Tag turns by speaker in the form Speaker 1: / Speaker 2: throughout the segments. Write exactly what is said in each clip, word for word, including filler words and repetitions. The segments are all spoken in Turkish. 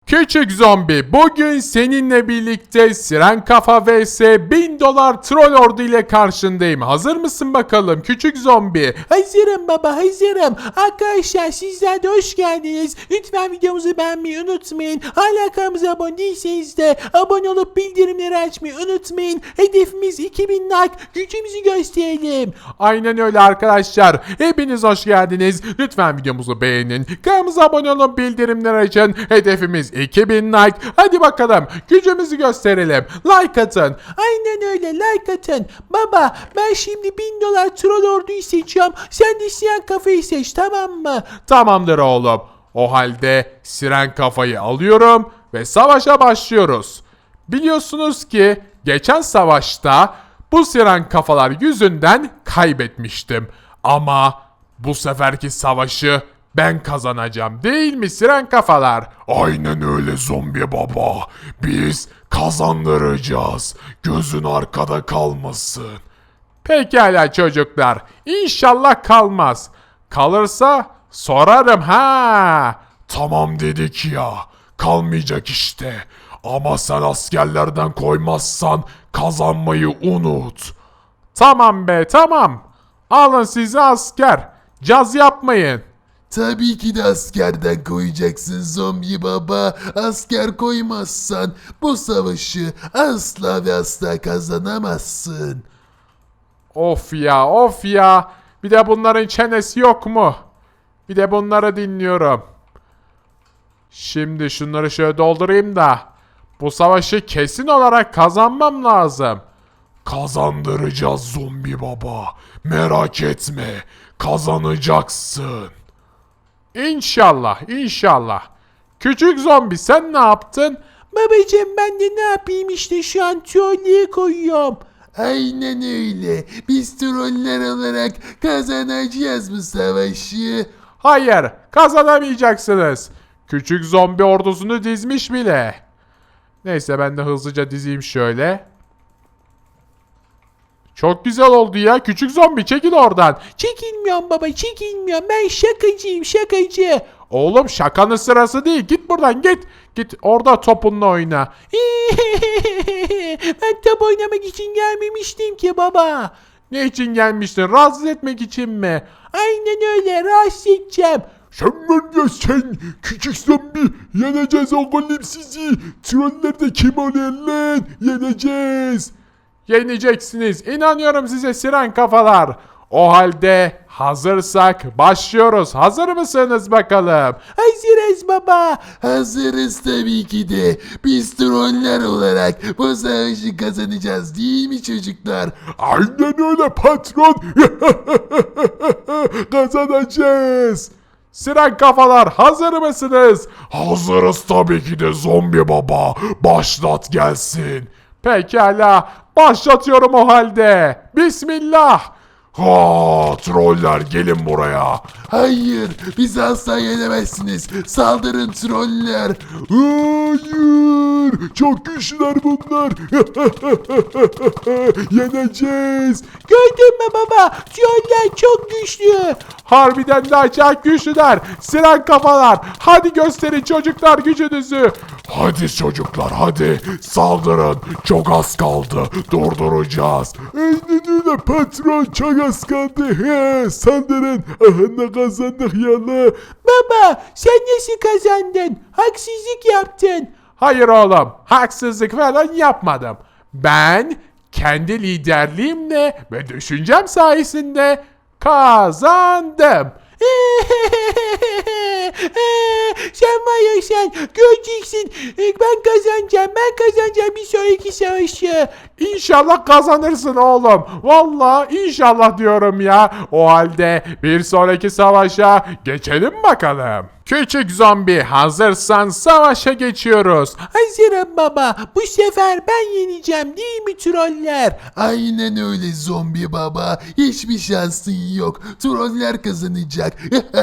Speaker 1: Küçük zombi, bugün seninle birlikte Siren Kafa vs bin dolar troll ordu ile karşındayım. Hazır mısın bakalım küçük zombi?
Speaker 2: Hazırım baba, hazırım. Arkadaşlar sizler de hoş geldiniz. Lütfen videomuzu beğenmeyi unutmayın. Hala kanalımıza abone değilseniz de abone olup bildirimleri açmayı unutmayın. Hedefimiz iki bin like. Gücümüzü gösterelim.
Speaker 1: Aynen öyle arkadaşlar. Hepiniz hoş geldiniz. Lütfen videomuzu beğenin. Kanalımıza abone olun, bildirimleri açın. Hedefimiz iki bin like. Hadi bakalım gücümüzü gösterelim. Like atın.
Speaker 2: Aynen öyle, like atın. Baba, ben şimdi bin dolar troll orduyu seçiyorum. Sen de siyah kafayı seç, tamam mı?
Speaker 1: Tamamdır oğlum. O halde Siren Kafayı alıyorum ve savaşa başlıyoruz. Biliyorsunuz ki geçen savaşta bu Siren Kafalar yüzünden kaybetmiştim. Ama bu seferki savaşı ben kazanacağım, değil mi Siren Kafalar?
Speaker 3: Aynen öyle zombi baba. Biz kazandıracağız. Gözün arkada kalmasın.
Speaker 1: Pekala çocuklar. İnşallah kalmaz. Kalırsa sorarım ha.
Speaker 3: Tamam dedik ya. Kalmayacak işte. Ama sen askerlerden koymazsan kazanmayı unut.
Speaker 1: Tamam be, tamam. Alın sizi asker. Caz yapmayın.
Speaker 3: Tabii ki de askerden koyacaksın zombi baba. Asker koymazsan bu savaşı asla ve asla kazanamazsın.
Speaker 1: Of ya, of ya. Bir de bunların çenesi yok mu? Bir de bunları dinliyorum. Şimdi şunları şöyle doldurayım da bu savaşı kesin olarak kazanmam lazım.
Speaker 3: Kazandıracağız zombi baba. Merak etme. Kazanacaksın.
Speaker 1: İnşallah, inşallah. Küçük zombi, sen ne yaptın?
Speaker 2: Babacım, ben de ne yapayım işte, şu an trollüye koyuyorum.
Speaker 3: Aynen öyle. Biz troller olarak kazanacağız bu savaşı.
Speaker 1: Hayır, kazanamayacaksınız. Küçük zombi ordusunu dizmiş bile. Neyse, ben de hızlıca dizeyim şöyle. Çok güzel oldu ya. Küçük zombi, çekil oradan.
Speaker 2: Çekilmiyorum baba, çekilmiyorum. Ben şakacıyım, şakacı.
Speaker 1: Oğlum, şakanın sırası değil. Git buradan, git. Git orada topunla oyna.
Speaker 2: Ben top oynamak için gelmemiştim ki baba.
Speaker 1: Ne için gelmiştin? Rahatsız etmek için mi?
Speaker 2: Aynen öyle, rahatsız edeceğim.
Speaker 3: Sen var ya sen küçük zombi yeneceğiz oğlum sizi. Troller de kim oluyor lan? Yeneceğiz.
Speaker 1: Yeneceksiniz. İnanıyorum size Siren Kafalar. O halde hazırsak başlıyoruz. Hazır mısınız bakalım?
Speaker 2: Hazırız baba.
Speaker 3: Hazırız tabii ki de. Biz troller olarak bu savaşı kazanacağız değil mi çocuklar? Aynen öyle patron. Kazanacağız.
Speaker 1: Siren Kafalar, hazır mısınız?
Speaker 3: Hazırız tabii ki de zombi baba. Başlat gelsin.
Speaker 1: Pekala, başlatıyorum o halde. Bismillah.
Speaker 3: Ha, troller gelin buraya. Hayır, bizi asla yenemezsiniz. Saldırın troller. Hayır, çok güçlüler bunlar. Yeneceğiz.
Speaker 2: Gördün mü baba? Troller çok güçlü.
Speaker 1: Harbiden de acayip güçlüler. Siren Kafalar, hadi gösterin çocuklar gücünüzü.
Speaker 3: Hadi çocuklar hadi saldırın. Çok az kaldı. Durduracağız. Aynen öyle patron, çok az kaldı. He, saldırın. Aha, ne kazandık ya la.
Speaker 2: Baba, sen nasıl kazandın? Haksızlık yaptın.
Speaker 1: Hayır oğlum, haksızlık falan yapmadım. Ben kendi liderliğimle ve düşüncem sayesinde kazandım.
Speaker 2: Sen var ya sen, göreceksin. Ben kazanacağım, ben kazanacağım bir sonraki savaşı.
Speaker 1: İnşallah kazanırsın oğlum. Vallahi inşallah diyorum ya. O halde bir sonraki savaşa geçelim bakalım. Küçük zombi, hazırsan savaşa geçiyoruz.
Speaker 2: Hazırım baba. Bu sefer ben yeneceğim değil mi troller?
Speaker 3: Aynen öyle zombi baba. Hiçbir şansın yok. Troller kazanacak.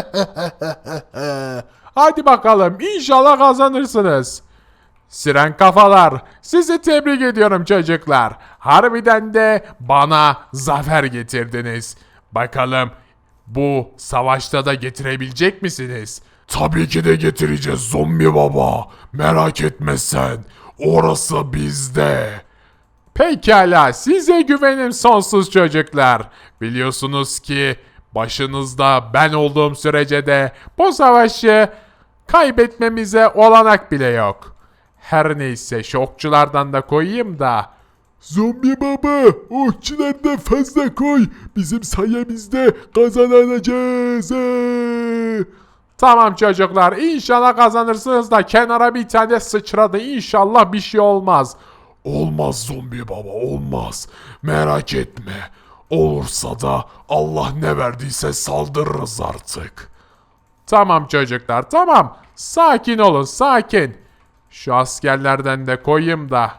Speaker 1: Hadi bakalım, İnşallah kazanırsınız. Siren Kafalar, sizi tebrik ediyorum çocuklar. Harbiden de bana zafer getirdiniz. Bakalım bu savaşta da getirebilecek misiniz?
Speaker 3: Tabii ki de getireceğiz zombi baba. Merak etme sen. Orası bizde.
Speaker 1: Pekala, size güvenim sonsuz çocuklar. Biliyorsunuz ki başınızda ben olduğum sürece de bu savaşı kaybetmemize olanak bile yok. Her neyse şu okçulardan da koyayım da.
Speaker 3: Zombi baba, okçulardan fazla koy. Bizim sayemizde kazanacağız. He.
Speaker 1: Tamam çocuklar, inşallah kazanırsınız da kenara bir tane sıçradı, inşallah bir şey olmaz.
Speaker 3: Olmaz zombi baba, olmaz. Merak etme. Olursa da Allah ne verdiyse saldırırız artık.
Speaker 1: Tamam çocuklar, tamam. Sakin olun, sakin. Şu askerlerden de koyayım da.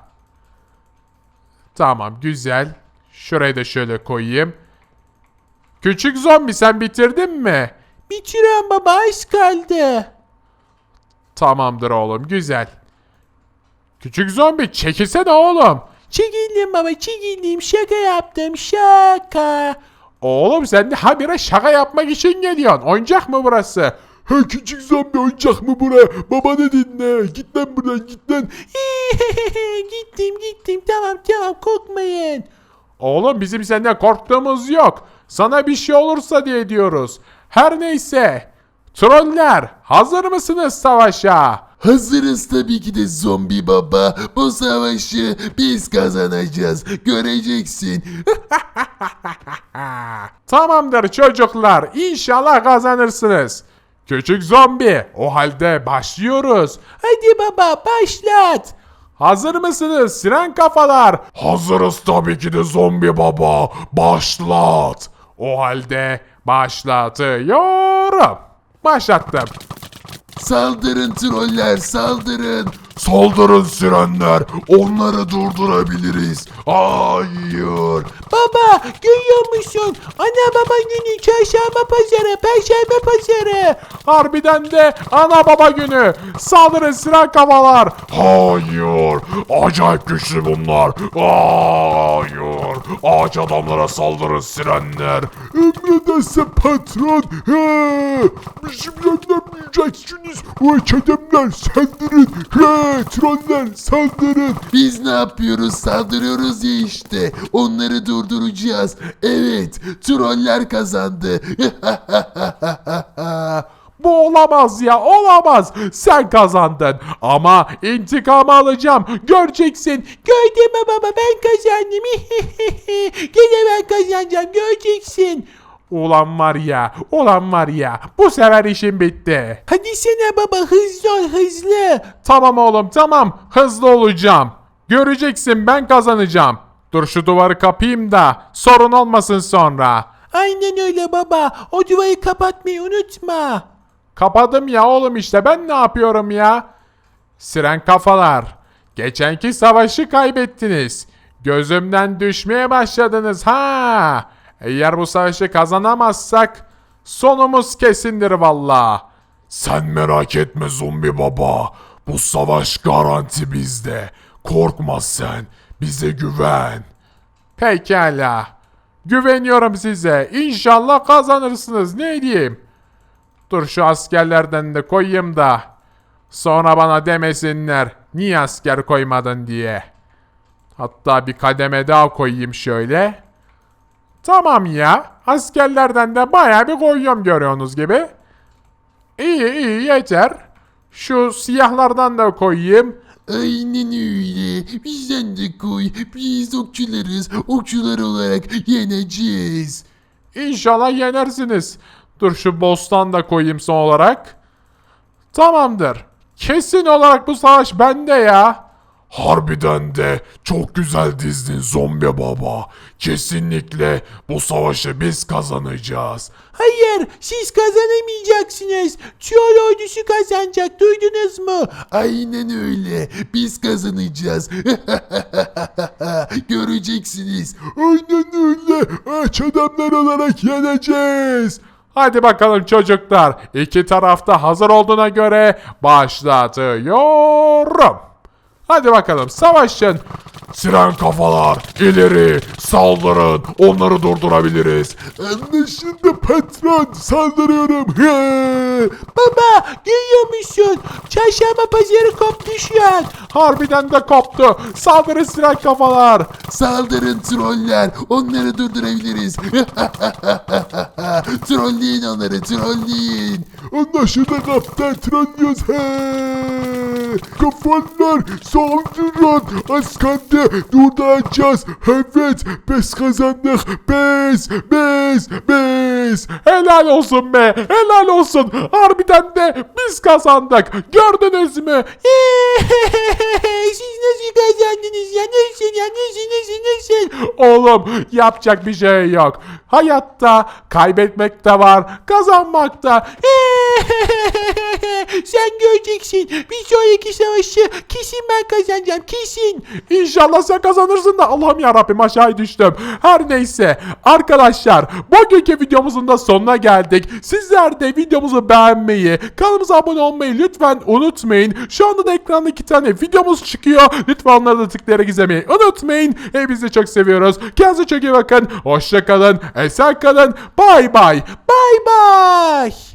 Speaker 1: Tamam, güzel. Şurayı da şöyle koyayım. Küçük zombi, sen bitirdin mi?
Speaker 2: Bitiriyorum baba, az kaldı.
Speaker 1: Tamamdır oğlum, güzel. Küçük zombi, çekilsene oğlum.
Speaker 2: Çekildim baba, çekildim, şaka yaptım, şaka.
Speaker 1: Oğlum sen de habire şaka yapmak için geliyorsun. Oyuncak mı burası?
Speaker 3: Ha küçük zombi oyuncak mı buraya? Babanı dinle. Git lan buradan git lan.
Speaker 2: Gittim gittim, tamam tamam, korkmayın.
Speaker 1: Oğlum bizim senden korktuğumuz yok. Sana bir şey olursa diye diyoruz. Her neyse. Troller, hazır mısınız savaşa?
Speaker 3: Hazırız tabii ki de zombi baba. Bu savaşı biz kazanacağız. Göreceksin.
Speaker 1: Tamamdır çocuklar. İnşallah kazanırsınız. Küçük zombi, o halde başlıyoruz.
Speaker 2: Hadi baba, başlat.
Speaker 1: Hazır mısınız siren kafalar?
Speaker 3: Hazırız tabii ki de zombi baba. Başlat.
Speaker 1: O halde başlatıyorum. Başlattım.
Speaker 3: Saldırın troller saldırın. Saldırın sirenler. Onları durdurabiliriz. Hayır.
Speaker 2: Baba, görüyor musun? Ana baba günü, çarşamba pazarı, perşembe pazarı.
Speaker 1: Harbiden de ana baba günü. Saldırın siren kafalar.
Speaker 3: Hayır. Acayip güçlü bunlar. Hayır. Ağaç adamlara saldırın sirenler. Emrederse patron. He. Bizim yenilmeyeceksiniz. Ağaç adamlar saldırın. He. Troller saldırın. Biz ne yapıyoruz? Saldırıyoruz ya işte. Onları durduracağız. Evet. Troller kazandı.
Speaker 1: Bu olamaz ya, olamaz. Sen kazandın ama intikamı alacağım. Göreceksin.
Speaker 2: Gördün mü baba, ben kazandım. Gene ben kazanacağım, göreceksin.
Speaker 1: Ulan var ya, ulan var ya. Bu sefer işim bitti.
Speaker 2: Hadi sana baba, hızlı ol, hızlı.
Speaker 1: Tamam oğlum, tamam. Hızlı olacağım. Göreceksin, ben kazanacağım. Dur şu duvarı kapayım da sorun olmasın sonra.
Speaker 2: Aynen öyle baba, o duvarı kapatmayı unutma.
Speaker 1: Kapadım ya oğlum, işte ben ne yapıyorum ya? Siren kafalar. Geçenki savaşı kaybettiniz. Gözümden düşmeye başladınız ha. Eğer bu savaşı kazanamazsak sonumuz kesindir valla.
Speaker 3: Sen merak etme zombi baba. Bu savaş garanti bizde. Korkma sen. Bize güven.
Speaker 1: Pekala. Güveniyorum size. İnşallah kazanırsınız. Ne diyeyim? Dur şu askerlerden de koyayım da. Sonra bana demesinler. Niye asker koymadın diye. Hatta bir kademe daha koyayım şöyle. Tamam ya. Askerlerden de bayağı bir koyuyorum görüyorsunuz gibi. İyi iyi yeter. Şu siyahlardan da koyayım.
Speaker 3: Aynen öyle. Bizden de koy. Biz okçularız. Okçular olarak yeneceğiz.
Speaker 1: İnşallah yenersiniz. Dur şu boss'tan da koyayım son olarak. Tamamdır. Kesin olarak bu savaş bende ya.
Speaker 3: Harbiden de çok güzel dizdin zombi baba. Kesinlikle bu savaşı biz kazanacağız.
Speaker 2: Hayır, siz kazanamayacaksınız. Troll ordusu kazanacak, duydunuz mu?
Speaker 3: Aynen öyle. Biz kazanacağız. Göreceksiniz. Aynen öyle. Aç adamlar olarak yeneceğiz.
Speaker 1: Hadi bakalım çocuklar. İki tarafta hazır olduğuna göre başlatıyorum. Hadi bakalım savaşın.
Speaker 3: Siren kafalar ileri saldırın. Onları durdurabiliriz. Anlaşıldı patron. Saldırıyorum. He.
Speaker 2: Baba görüyor musun? Çarşamba pazarı koptu şu an.
Speaker 1: Harbiden de koptu. Saldırın siren kafalar.
Speaker 3: Saldırın troller. Onları durdurabiliriz. Trolleyin onları. Trolleyin. Anlaşıldı kaptan. Trollüyoruz. Kafalar saldırın. Az kaldı. Durduracağız. Evet. Biz kazandık. Biz. Biz. Biz.
Speaker 1: Helal olsun be. Helal olsun. Harbiden de biz kazandık. Gördünüz mü?
Speaker 2: Siz nasıl kazandınız ya? Nasıl ya? Nasıl nasıl nasıl?
Speaker 1: Oğlum yapacak bir şey yok. Hayatta kaybetmek de var, kazanmak da.
Speaker 2: Sen göreceksin. Bir sonraki savaşı kesin ben kazanacağım. Kesin.
Speaker 1: İnşallah sen kazanırsın da Allah'ım yarabbim aşağı düştüm. Her neyse arkadaşlar bugünkü videomuzun da sonuna geldik. Sizler de videomuzu beğenmeyi, kanalımıza abone olmayı lütfen unutmayın. Şu anda da ekranda iki tane videomuz çıkıyor. Lütfen onları da tıklayarak izlemeyi unutmayın. Hepinizi çok seviyoruz. Kendinize çok iyi bakın. Hoşça kalın. Esen kalın. Bay bay.
Speaker 2: Bay bay.